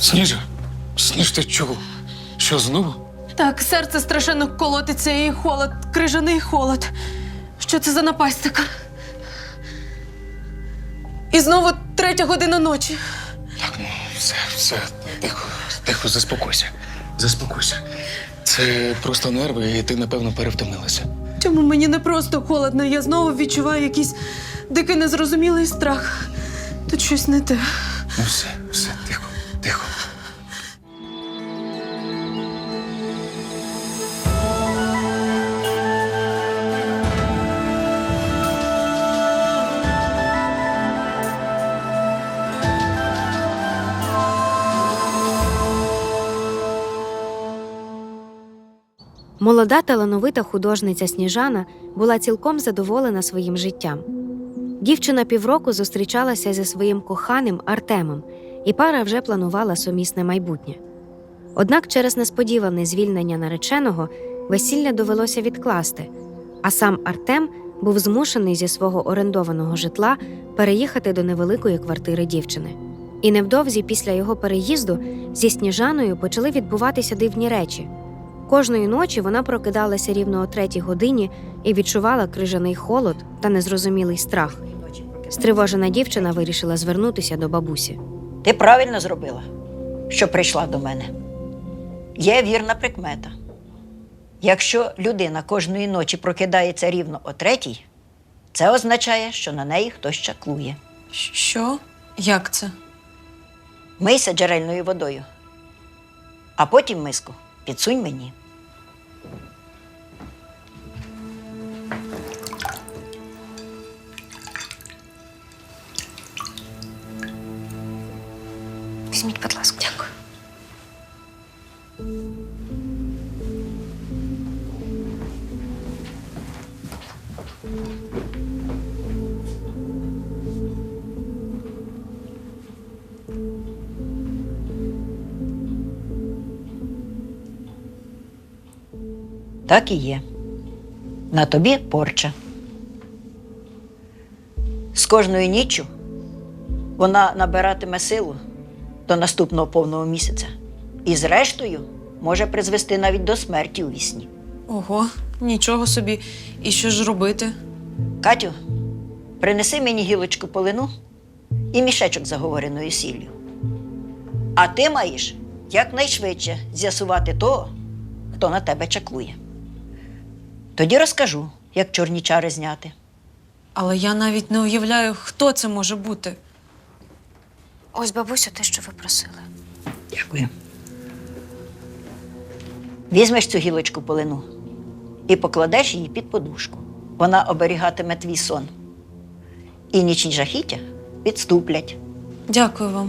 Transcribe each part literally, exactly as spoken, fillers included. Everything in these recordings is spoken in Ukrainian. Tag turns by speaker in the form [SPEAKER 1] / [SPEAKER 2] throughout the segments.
[SPEAKER 1] Сніжа, Сніж, ти чого? Що, знову?
[SPEAKER 2] Так, серце страшенно колотиться і холод, крижаний холод. Що це за напасть така? І знову третя година ночі.
[SPEAKER 1] Так, ну, все, все, тихо, тихо, заспокойся. Заспокойся. Це просто нерви, і ти, напевно, перевтомилася.
[SPEAKER 2] Чому мені не просто холодно? Я знову відчуваю якийсь дикий незрозумілий страх. Тут щось не те.
[SPEAKER 1] Ну все, все, тихо, тихо.
[SPEAKER 3] Молода талановита художниця Сніжана була цілком задоволена своїм життям. Дівчина півроку зустрічалася зі своїм коханим Артемом, і пара вже планувала сумісне майбутнє. Однак через несподіване звільнення нареченого весілля довелося відкласти, а сам Артем був змушений зі свого орендованого житла переїхати до невеликої квартири дівчини. І невдовзі після його переїзду зі Сніжаною почали відбуватися дивні речі. Кожної ночі вона прокидалася рівно о третій годині і відчувала крижаний холод та незрозумілий страх. Стривожена дівчина вирішила звернутися до бабусі.
[SPEAKER 4] Ти правильно зробила, що прийшла до мене. Є вірна прикмета. Якщо людина кожної ночі прокидається рівно о третій, це означає, що на неї хтось чаклує.
[SPEAKER 2] Що? Як це?
[SPEAKER 4] Мийся джерельною водою, а потім миску підсунь мені.
[SPEAKER 3] Візьміть, будь ласка.
[SPEAKER 2] Дякую.
[SPEAKER 4] Так і є. На тобі порча. З кожною ніччю вона набиратиме силу до наступного повного місяця. І зрештою може призвести навіть до смерті у вісні.
[SPEAKER 2] Ого, нічого собі. І що ж робити?
[SPEAKER 4] Катю, принеси мені гілочку полину і мішечок з заговореною сіллю. А ти маєш якнайшвидше з'ясувати того, хто на тебе чаклує. Тоді розкажу, як чорні чари зняти.
[SPEAKER 2] Але я навіть не уявляю, хто це може бути.
[SPEAKER 3] Ось, бабусю, те, що ви просили.
[SPEAKER 4] Дякую. Візьмеш цю гілочку полину і покладеш її під подушку. Вона оберігатиме твій сон. І нічні жахіття відступлять.
[SPEAKER 2] Дякую вам.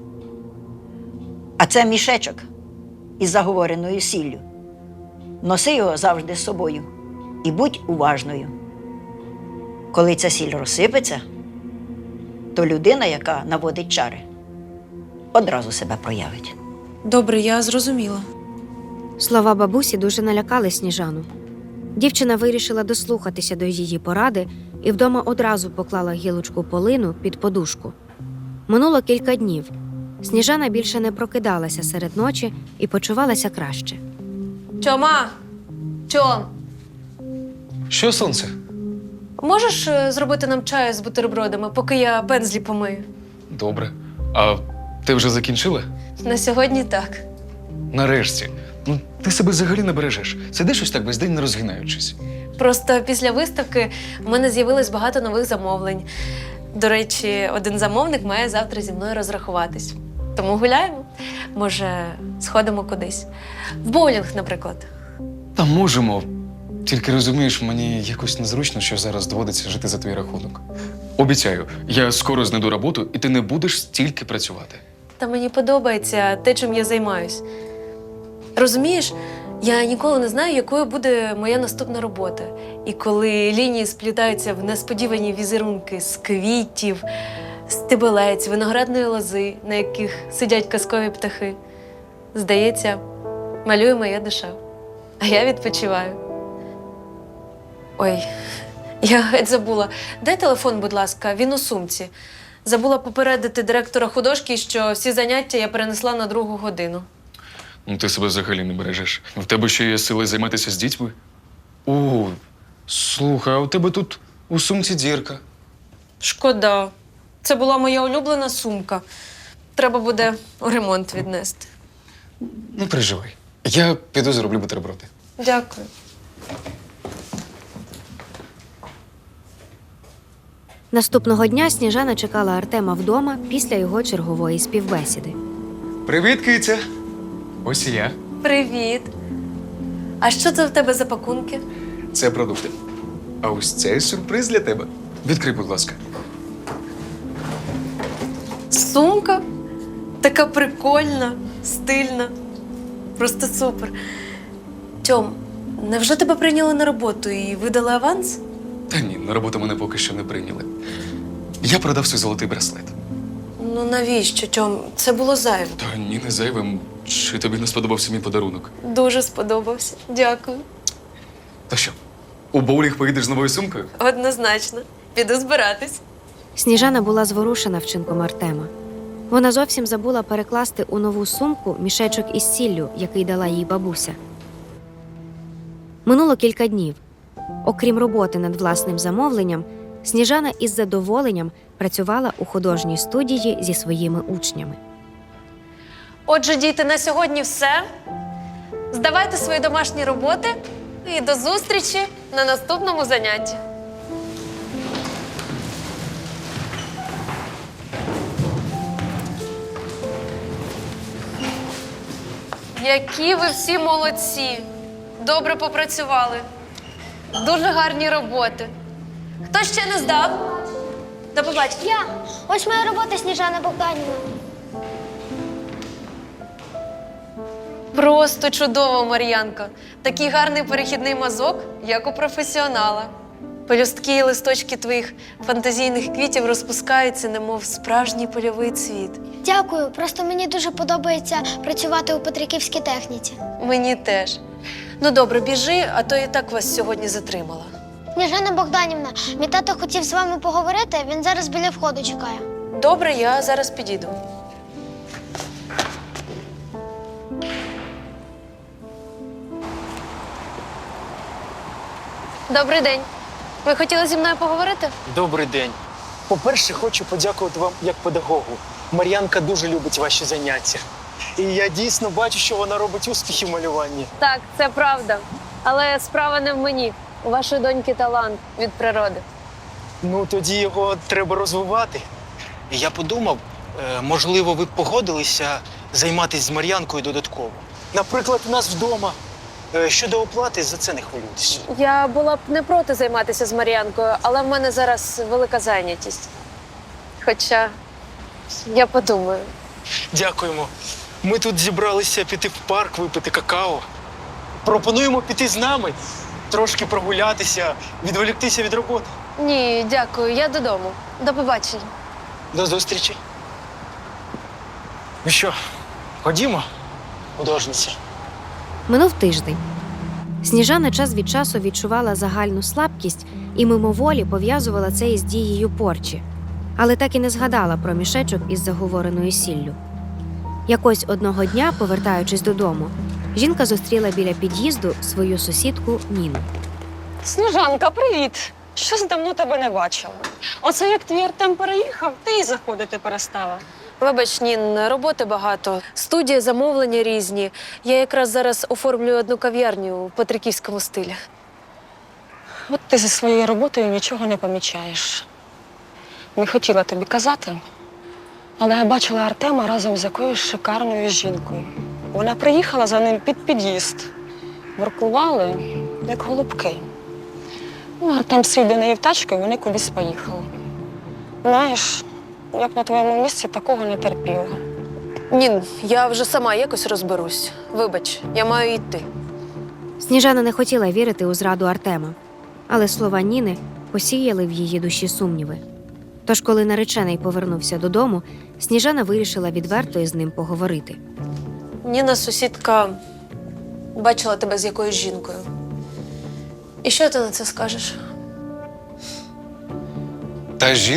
[SPEAKER 4] А це мішечок із заговореною сіллю. Носи його завжди з собою і будь уважною. Коли ця сіль розсипеться, то людина, яка наводить чари, одразу себе проявить.
[SPEAKER 2] Добре, я зрозуміла.
[SPEAKER 3] Слова бабусі дуже налякали Сніжану. Дівчина вирішила дослухатися до її поради і вдома одразу поклала гілочку полину під подушку. Минуло кілька днів. Сніжана більше не прокидалася серед ночі і почувалася краще.
[SPEAKER 2] Тьома! Тьом!
[SPEAKER 1] Що, сонце?
[SPEAKER 2] Можеш е, зробити нам чаю з бутербродами, поки я пензлі помию?
[SPEAKER 1] Добре. А ти вже закінчила?
[SPEAKER 2] На сьогодні так.
[SPEAKER 1] Нарешті. Ну, ти себе взагалі не бережеш. Сидиш ось так весь день не розгинаючись.
[SPEAKER 2] Просто після виставки в мене з'явилось багато нових замовлень. До речі, один замовник має завтра зі мною розрахуватись. Тому гуляємо. Може, сходимо кудись. В боулінг, наприклад.
[SPEAKER 1] Та можемо. Тільки розумієш, мені якось незручно, що зараз доводиться жити за твій рахунок. Обіцяю, я скоро знайду роботу, і ти не будеш стільки працювати.
[SPEAKER 2] Та мені подобається те, чим я займаюсь. Розумієш, я ніколи не знаю, якою буде моя наступна робота. І коли лінії сплітаються в несподівані візерунки з квітів, стебелець, виноградної лози, на яких сидять казкові птахи, здається, малює моя душа. А я відпочиваю. Ой, я геть забула. Дай телефон, будь ласка, він у сумці. Забула попередити директора художки, що всі заняття я перенесла на другу годину.
[SPEAKER 1] Ну, ти себе взагалі не бережеш. В тебе ще є сили займатися з дітьми? О, слухай, а у тебе тут у сумці дірка.
[SPEAKER 2] Шкода. Це була моя улюблена сумка. Треба буде у ремонт віднести.
[SPEAKER 1] Не переживай. Я піду зроблю бутерброди.
[SPEAKER 2] Дякую.
[SPEAKER 3] Наступного дня Сніжана чекала Артема вдома після його чергової співбесіди.
[SPEAKER 1] Привіт, киця. Ось і я.
[SPEAKER 2] Привіт. А що це в тебе за пакунки?
[SPEAKER 1] Це продукти. А ось цей сюрприз для тебе. Відкрий, будь ласка.
[SPEAKER 2] Сумка? Така прикольна, стильна. Просто супер. Тьом, невже тебе прийняли на роботу і видали аванс?
[SPEAKER 1] Та ні, на роботу мене поки що не прийняли. Я продав свій золотий браслет.
[SPEAKER 2] Ну навіщо, Тьом? Це було зайво.
[SPEAKER 1] Та ні, не зайвим. Чи тобі не сподобався мій подарунок?
[SPEAKER 2] Дуже сподобався. Дякую.
[SPEAKER 1] То що, у боулінг поїдеш з новою сумкою?
[SPEAKER 2] Однозначно. Піду збиратись.
[SPEAKER 3] Сніжана була зворушена вчинком Артема. Вона зовсім забула перекласти у нову сумку мішечок із сіллю, який дала їй бабуся. Минуло кілька днів. Окрім роботи над власним замовленням, Сніжана із задоволенням працювала у художній студії зі своїми учнями.
[SPEAKER 2] Отже, діти, на сьогодні все. Здавайте свої домашні роботи і до зустрічі на наступному занятті. Які ви всі молодці! Добре попрацювали. Дуже гарні роботи. Хто ще не здав? До побачення.
[SPEAKER 5] Я. Ось моя робота, Сніжана Богданівна.
[SPEAKER 2] Просто чудово, Мар'янко. Такий гарний перехідний мазок, як у професіонала. Пелюстки і листочки твоїх фантазійних квітів розпускаються, немов справжній польовий цвіт.
[SPEAKER 5] Дякую. Просто мені дуже подобається працювати у Петриківській техніці.
[SPEAKER 2] Мені теж. Ну добре, біжи, а то і так вас сьогодні затримала.
[SPEAKER 5] Сніжана Богданівна, мій тато хотів з вами поговорити, він зараз біля входу чекає.
[SPEAKER 2] Добре, я зараз підійду. Добрий день. Ви хотіли зі мною поговорити?
[SPEAKER 6] Добрий день. По-перше, хочу подякувати вам як педагогу. Мар'янка дуже любить ваші заняття. І я дійсно бачу, що вона робить успіхи в малюванні.
[SPEAKER 2] Так, це правда. Але справа не в мені. У вашої доньки талант від природи.
[SPEAKER 6] Ну, тоді його треба розвивати. І я подумав, е, можливо, ви б погодилися займатися з Мар'янкою додатково. Наприклад, у нас вдома. Е, Щодо оплати, за це не хвилюйтесь.
[SPEAKER 2] Я була б не проти займатися з Мар'янкою, але в мене зараз велика зайнятість. Хоча я подумаю.
[SPEAKER 6] Дякуємо. Ми тут зібралися піти в парк, випити какао. Пропонуємо піти з нами, трошки прогулятися, відволіктися від роботи.
[SPEAKER 2] Ні, дякую, я додому. До побачення.
[SPEAKER 6] До зустрічі. Ну що, ходімо, художниця.
[SPEAKER 3] Минув тиждень. Сніжана час від часу відчувала загальну слабкість і мимоволі пов'язувала це із дією порчі, але так і не згадала про мішечок із заговореною сіллю. Якось одного дня, повертаючись додому, жінка зустріла біля під'їзду свою сусідку Ніну.
[SPEAKER 7] Сніжанка, привіт! Щось давно тебе не бачила. Оце як твій Артем переїхав, ти і заходити перестала.
[SPEAKER 2] Вибач, Нін, роботи багато. Студія, замовлення різні. Я якраз зараз оформлюю одну кав'ярню в петриківському стилі.
[SPEAKER 7] От ти зі своєю роботою нічого не помічаєш. Не хотіла тобі казати, але я бачила Артема разом з якоюсь шикарною жінкою. Вона приїхала за ним під під'їзд. Воркували, як голубки. Ну, Артем сів до неї в тачку, і вони кудись поїхали. Знаєш, я б на твоєму місці такого не терпіла.
[SPEAKER 2] Нін, я вже сама якось розберусь. Вибач, я маю йти.
[SPEAKER 3] Сніжана не хотіла вірити у зраду Артема, але слова Ніни посіяли в її душі сумніви. Тож, коли наречений повернувся додому, Сніжана вирішила відверто із ним поговорити.
[SPEAKER 2] Ніна, сусідка, бачила тебе з якоюсь жінкою. І що ти на це скажеш?
[SPEAKER 1] Та жінка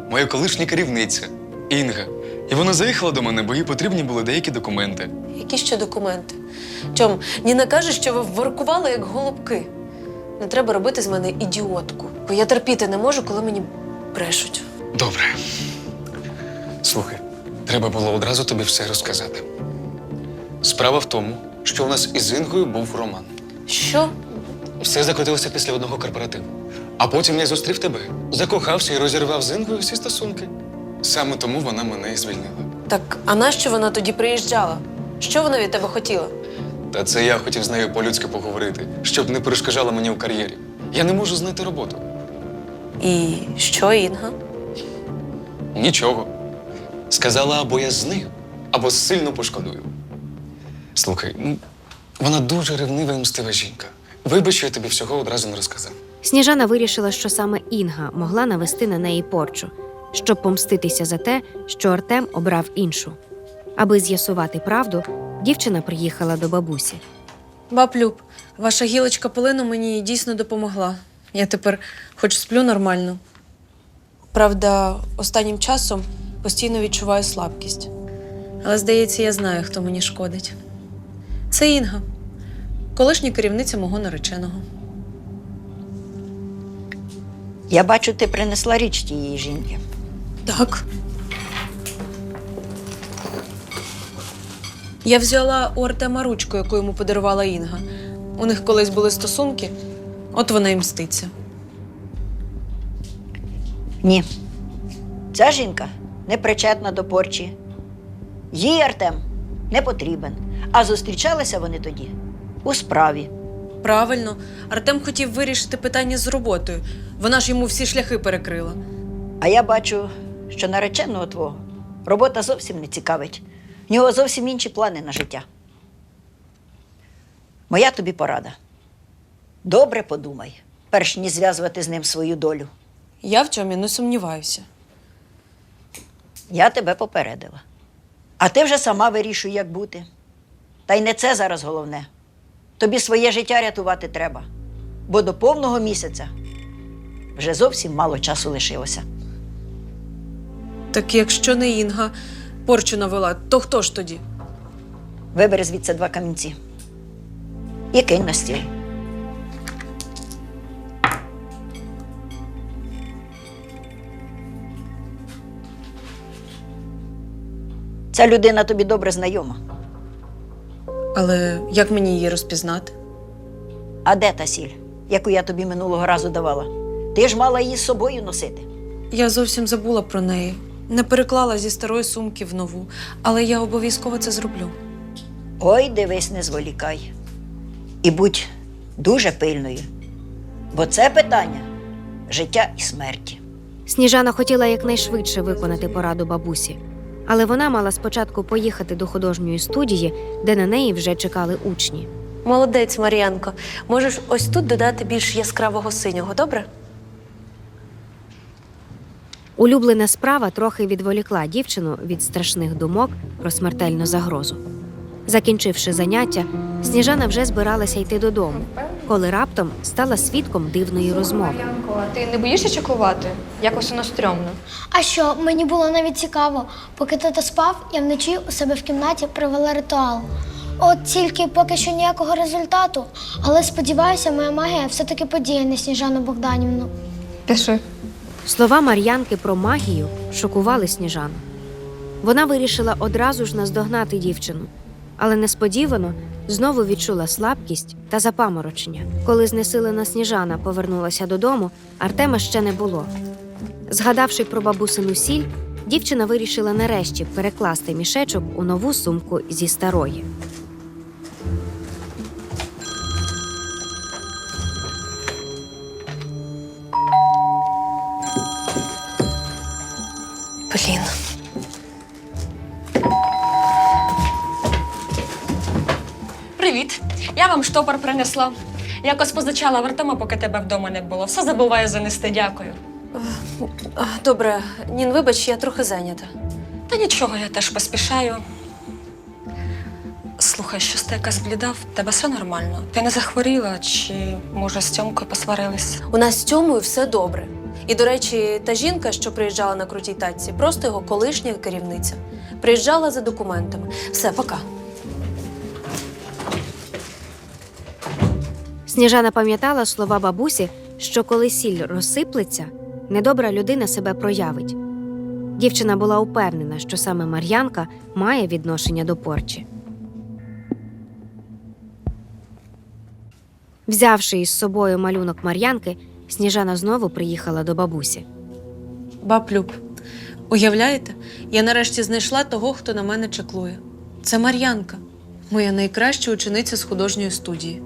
[SPEAKER 1] моя колишня керівниця Інга. І вона заїхала до мене, бо їй потрібні були деякі документи.
[SPEAKER 2] Які ще документи? Тьом, Ніна каже, що ви воркували як голубки. Не треба робити з мене ідіотку, бо я терпіти не можу, коли мені брешуть.
[SPEAKER 1] Добре. Слухай, треба було одразу тобі все розказати. Справа в тому, що у нас із Інгою був роман.
[SPEAKER 2] Що?
[SPEAKER 1] Все закрутилося після одного корпоративу. А потім я зустрів тебе, закохався і розірвав з Інгою всі стосунки. Саме тому вона мене і звільнила.
[SPEAKER 2] Так, а нащо вона тоді приїжджала? Що вона від тебе хотіла?
[SPEAKER 1] Та це я хотів з нею по-людськи поговорити, щоб не перешкоджала мені у кар'єрі. Я не можу знайти роботу.
[SPEAKER 2] І що, Інга?
[SPEAKER 1] Нічого. Сказала, або я з нею, або сильно пошкодую. Слухай, ну, вона дуже ревнива і мстива жінка. Вибач, що я тобі всього одразу не розказав.
[SPEAKER 3] Сніжана вирішила, що саме Інга могла навести на неї порчу, щоб помститися за те, що Артем обрав іншу. Аби з'ясувати правду, дівчина приїхала до бабусі.
[SPEAKER 2] Баб Люб, ваша гілочка полину мені дійсно допомогла. Я тепер хоч сплю нормально. Правда, останнім часом постійно відчуваю слабкість. Але, здається, я знаю, хто мені шкодить. Це Інга, колишня керівниця мого нареченого.
[SPEAKER 4] Я бачу, ти принесла річ тієї жінки.
[SPEAKER 2] Так. Я взяла у Артема ручку, яку йому подарувала Інга. У них колись були стосунки, от вона і мститься.
[SPEAKER 4] Ні. Ця жінка не причетна до порчі. Їй Артем не потрібен. А зустрічалися вони тоді у справі.
[SPEAKER 2] Правильно, Артем хотів вирішити питання з роботою. Вона ж йому всі шляхи перекрила.
[SPEAKER 4] А я бачу, що нареченого твого робота зовсім не цікавить. В нього зовсім інші плани на життя. Моя тобі порада. Добре подумай, перш ніж зв'язувати з ним свою долю.
[SPEAKER 2] Я в цьому не сумніваюся.
[SPEAKER 4] Я тебе попередила. А ти вже сама вирішуй, як бути. Та й не це зараз головне. Тобі своє життя рятувати треба. Бо до повного місяця вже зовсім мало часу лишилося.
[SPEAKER 2] Так якщо не Інга порчу навела, то хто ж тоді?
[SPEAKER 4] Вибери звідси два камінці і кинь на стіл. Ця людина тобі добре знайома.
[SPEAKER 2] Але як мені її розпізнати?
[SPEAKER 4] А де та сіль, яку я тобі минулого разу давала? Ти ж мала її з собою носити.
[SPEAKER 2] Я зовсім забула про неї. Не переклала зі старої сумки в нову. Але я обов'язково це зроблю.
[SPEAKER 4] Ой, дивись, не зволікай. І будь дуже пильною. Бо це питання життя і смерті.
[SPEAKER 3] Сніжана хотіла якнайшвидше виконати пораду бабусі, але вона мала спочатку поїхати до художньої студії, де на неї вже чекали учні.
[SPEAKER 2] Молодець, Мар'янко. Можеш ось тут додати більш яскравого синього, добре?
[SPEAKER 3] Улюблена справа трохи відволікла дівчину від страшних думок про смертельну загрозу. Закінчивши заняття, Сніжана вже збиралася йти додому, коли раптом стала свідком дивної розмови.
[SPEAKER 8] Янко, а ти не боїшся чеклувати? Якось воно стрьомно.
[SPEAKER 5] А що, мені було навіть цікаво. Поки тато спав, я вночі у себе в кімнаті провела ритуал. От тільки поки що ніякого результату. Але сподіваюся, моя магія все-таки подіє на Сніжану Богданівну.
[SPEAKER 8] Пиши.
[SPEAKER 3] Слова Мар'янки про магію шокували Сніжану. Вона вирішила одразу ж наздогнати дівчину, але несподівано знову відчула слабкість та запаморочення. Коли знесилена Сніжана повернулася додому, Артема ще не було. Згадавши про бабусину сіль, дівчина вирішила нарешті перекласти мішечок у нову сумку зі старої.
[SPEAKER 2] Блін.
[SPEAKER 7] Привіт. Я вам штопор принесла. Якось позичала в Артема, поки тебе вдома не було. Все забуваю занести, дякую.
[SPEAKER 2] А, Добре, Нін, вибач, я трохи зайнята.
[SPEAKER 7] Та нічого, я теж поспішаю. Слухай, щось ти якась бліда, в тебе все нормально? Ти не захворіла чи, може, з Тьомкою посварились?
[SPEAKER 2] У нас з Тьомою все добре. І, до речі, та жінка, що приїжджала на крутій тачці, просто його колишня керівниця. Приїжджала за документами. Все, пока.
[SPEAKER 3] Сніжана пам'ятала слова бабусі, що коли сіль розсиплеться, недобра людина себе проявить. Дівчина була упевнена, що саме Мар'янка має відношення до порчі. Взявши із собою малюнок Мар'янки, Сніжана знову приїхала до бабусі.
[SPEAKER 2] Баб Люб, уявляєте, я нарешті знайшла того, хто на мене чеклує. Це Мар'янка, моя найкраща учениця з художньої студії.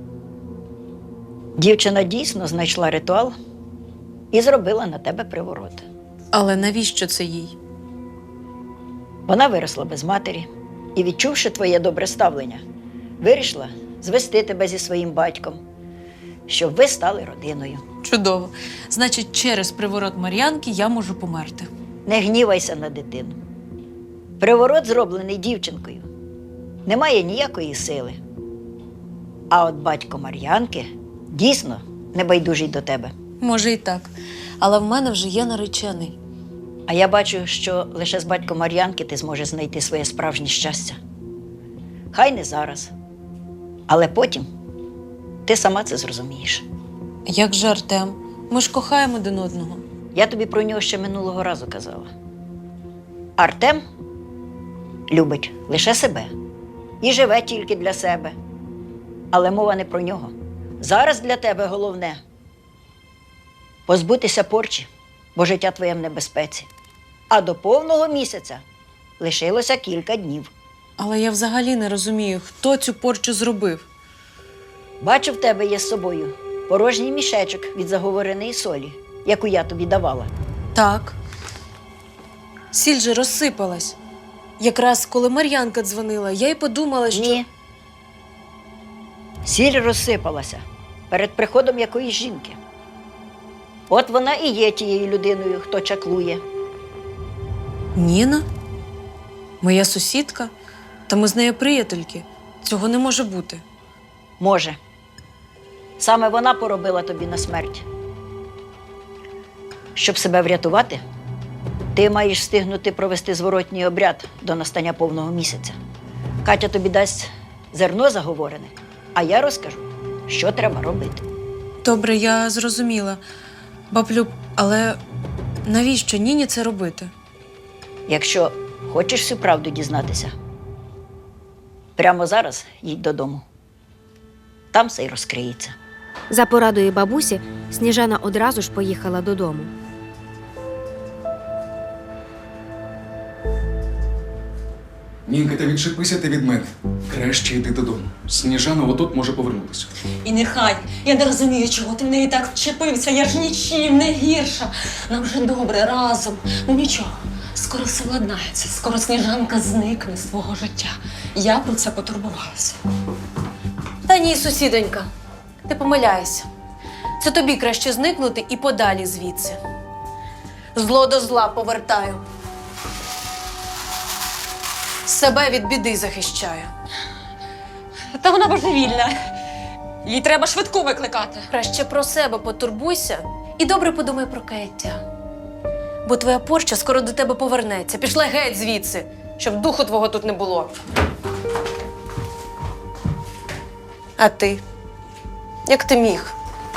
[SPEAKER 4] Дівчина дійсно знайшла ритуал і зробила на тебе приворот.
[SPEAKER 2] Але навіщо це їй?
[SPEAKER 4] Вона виросла без матері і, відчувши твоє добре ставлення, вирішила звести тебе зі своїм батьком, щоб ви стали родиною.
[SPEAKER 2] Чудово. Значить, через приворот Мар'янки я можу померти.
[SPEAKER 4] Не гнівайся на дитину. Приворот зроблений дівчинкою. Немає ніякої сили. А от батько Мар'янки дійсно небайдужий до тебе.
[SPEAKER 2] Може і так. Але в мене вже є наречений.
[SPEAKER 4] А я бачу, що лише з батьком Мар'янки ти зможеш знайти своє справжнє щастя. Хай не зараз, але потім ти сама це зрозумієш.
[SPEAKER 2] Як же Артем? Ми ж кохаємо один одного.
[SPEAKER 4] Я тобі про нього ще минулого разу казала. Артем любить лише себе і живе тільки для себе. Але мова не про нього. Зараз для тебе головне – позбутися порчі, бо життя твоє в небезпеці. А до повного місяця лишилося кілька днів.
[SPEAKER 2] Але я взагалі не розумію, хто цю порчу зробив.
[SPEAKER 4] Бачу, в тебе є з собою порожній мішечок від заговореної солі, яку я тобі давала.
[SPEAKER 2] Так. Сіль же розсипалась. Якраз коли Мар'янка дзвонила, я й подумала, що…
[SPEAKER 4] Ні. Сіль розсипалася перед приходом якоїсь жінки. От вона і є тією людиною, хто чаклує.
[SPEAKER 2] Ніна? Моя сусідка? Та ми з нею приятельки. Цього не може бути.
[SPEAKER 4] Може. Саме вона поробила тобі на смерть. Щоб себе врятувати, ти маєш встигнути провести зворотній обряд до настання повного місяця. Катя тобі дасть зерно заговорене, а я розкажу, що треба робити.
[SPEAKER 2] Добре, я зрозуміла. Баблюб, але навіщо Ніні це робити?
[SPEAKER 4] Якщо хочеш всю правду дізнатися, прямо зараз їдь додому. Там все й розкриється.
[SPEAKER 3] За порадою бабусі, Сніжана одразу ж поїхала додому.
[SPEAKER 1] Нінка, та відчепися ти від мене. Краще йди додому. Сніжана отут може повернутися.
[SPEAKER 7] І нехай. Я не розумію, чого ти в неї так вчепився. Я ж нічим не гірша. Нам вже добре разом. Ну нічого, скоро все владнається. Скоро Сніжанка зникне з твого життя. Я про це потурбувалася.
[SPEAKER 2] Та ні, сусідонька, ти помиляєшся. Це тобі краще зникнути і подалі звідси. Зло до зла повертаю. Себе від біди захищаю.
[SPEAKER 7] Та вона божевільна. Їй треба швидку викликати.
[SPEAKER 2] Краще про себе потурбуйся і добре подумай про каяття. Бо твоя порча скоро до тебе повернеться. Пішла геть звідси, щоб духу твого тут не було. А ти? Як ти міг?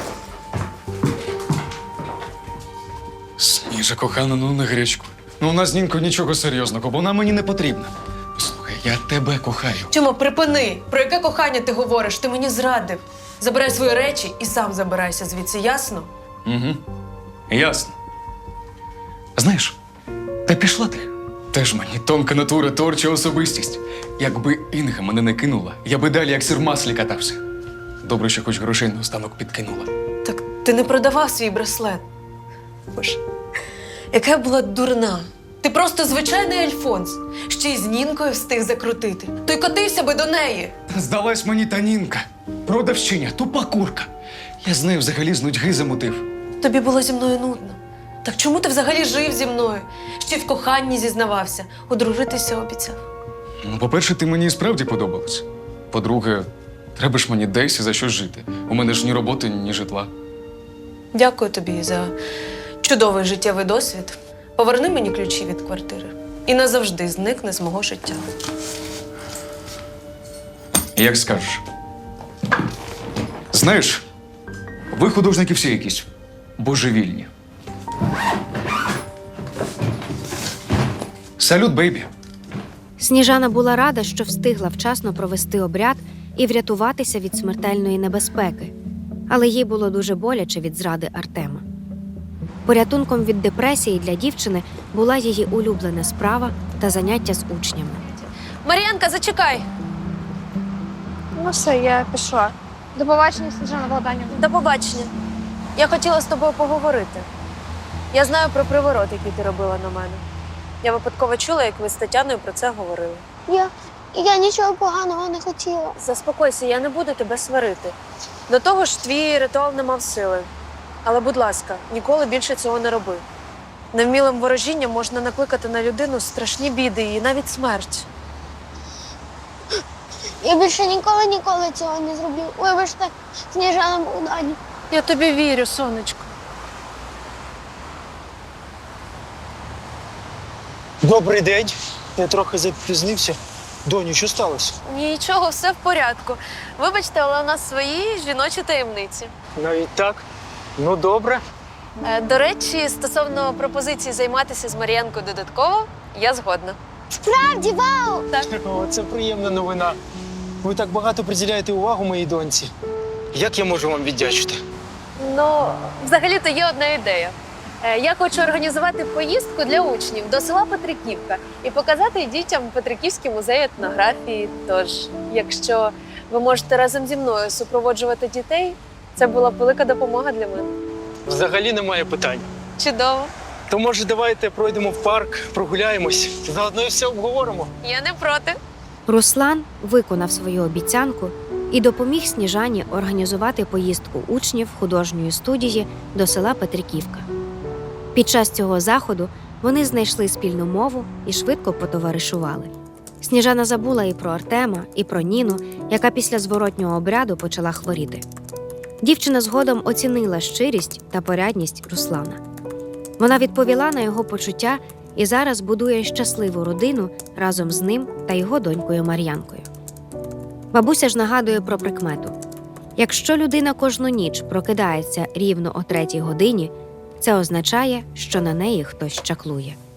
[SPEAKER 1] Сніжа, кохана, ну не гречку. Ну у нас з Нінкою нічого серйозного, бо вона мені не потрібна. Послухай, я тебе кохаю.
[SPEAKER 2] Чому? Припини! Про яке кохання ти говориш? Ти мені зрадив. Забирай свої речі і сам забирайся звідси, ясно?
[SPEAKER 1] Угу. Ясно. Знаєш, та пішла ти. Теж мені тонка натура, творча особистість. Якби Інга мене не кинула, я би далі як сир в маслі катався. Добре, що хоч грошей наостанок підкинула.
[SPEAKER 2] Так ти не продавав свій браслет. Боже, яка я була дурна. Ти просто звичайний Альфонс. Ще й з Нінкою встиг закрутити. То й котився би до неї.
[SPEAKER 1] Здалась мені та Нінка. Продавщиня, тупа курка. Я з нею взагалі з нудьги замутив.
[SPEAKER 2] Тобі було зі мною нудно. Так чому ти взагалі жив зі мною? Ще й в коханні зізнавався, одружитися обіцяв.
[SPEAKER 1] Ну, по-перше, ти мені і справді подобалась. По-друге, треба ж мені десь і за що жити. У мене ж ні роботи, ні житла.
[SPEAKER 2] Дякую тобі за чудовий життєвий досвід. Поверни мені ключі від квартири і назавжди зникни з мого життя.
[SPEAKER 1] Як скажеш. Знаєш, ви художники всі якісь божевільні. Салют, бейбі.
[SPEAKER 3] Сніжана була рада, що встигла вчасно провести обряд і врятуватися від смертельної небезпеки, але їй було дуже боляче від зради Артема. Порятунком від депресії для дівчини була її улюблена справа та заняття з учнями.
[SPEAKER 2] Мар'янка, зачекай!
[SPEAKER 8] Ну все, я пішла. До побачення, Сніжана Богданівна.
[SPEAKER 2] До побачення. Я хотіла з тобою поговорити. Я знаю про приворот, який ти робила на мене. Я випадково чула, як ви з Тетяною про це говорили.
[SPEAKER 5] Я, я нічого поганого не хотіла.
[SPEAKER 2] Заспокойся, я не буду тебе сварити. До того ж, твій ритуал не мав сили. Але, будь ласка, ніколи більше цього не роби. Невмілим ворожінням можна накликати на людину страшні біди і навіть смерть.
[SPEAKER 5] Я більше ніколи ніколи цього не зроблю. Вибачте, Сніжана Богданівна.
[SPEAKER 2] Я тобі вірю, сонечко.
[SPEAKER 6] Добрий день. Я трохи запізнився. Доню, що сталося?
[SPEAKER 2] Нічого, все в порядку. Вибачте, але у нас свої жіночі таємниці.
[SPEAKER 6] Навіть так? Ну, добре.
[SPEAKER 2] Е, До речі, стосовно пропозиції займатися з Мар'янкою додатково, я згодна.
[SPEAKER 5] Справді, вау!
[SPEAKER 6] О, це приємна новина. Ви так багато приділяєте увагу моїй доньці. Як я можу вам віддячити?
[SPEAKER 2] Ну, взагалі-то є одна ідея. Е, Я хочу організувати поїздку для учнів до села Петриківка і показати дітям Петриківський музей етнографії. Тож, якщо ви можете разом зі мною супроводжувати дітей, це була б велика допомога для мене.
[SPEAKER 6] Взагалі немає питань.
[SPEAKER 2] Чудово.
[SPEAKER 6] То, може, давайте пройдемо в парк, прогуляємось, заодно і все обговоримо.
[SPEAKER 2] Я не проти.
[SPEAKER 3] Руслан виконав свою обіцянку і допоміг Сніжані організувати поїздку учнів художньої студії до села Петриківка. Під час цього заходу вони знайшли спільну мову і швидко потоваришували. Сніжана забула і про Артема, і про Ніну, яка після зворотнього обряду почала хворіти. Дівчина згодом оцінила щирість та порядність Руслана. Вона відповіла на його почуття і зараз будує щасливу родину разом з ним та його донькою Мар'янкою. Бабуся ж нагадує про прикмету. Якщо людина кожну ніч прокидається рівно о третій годині, це означає, що на неї хтось чаклує.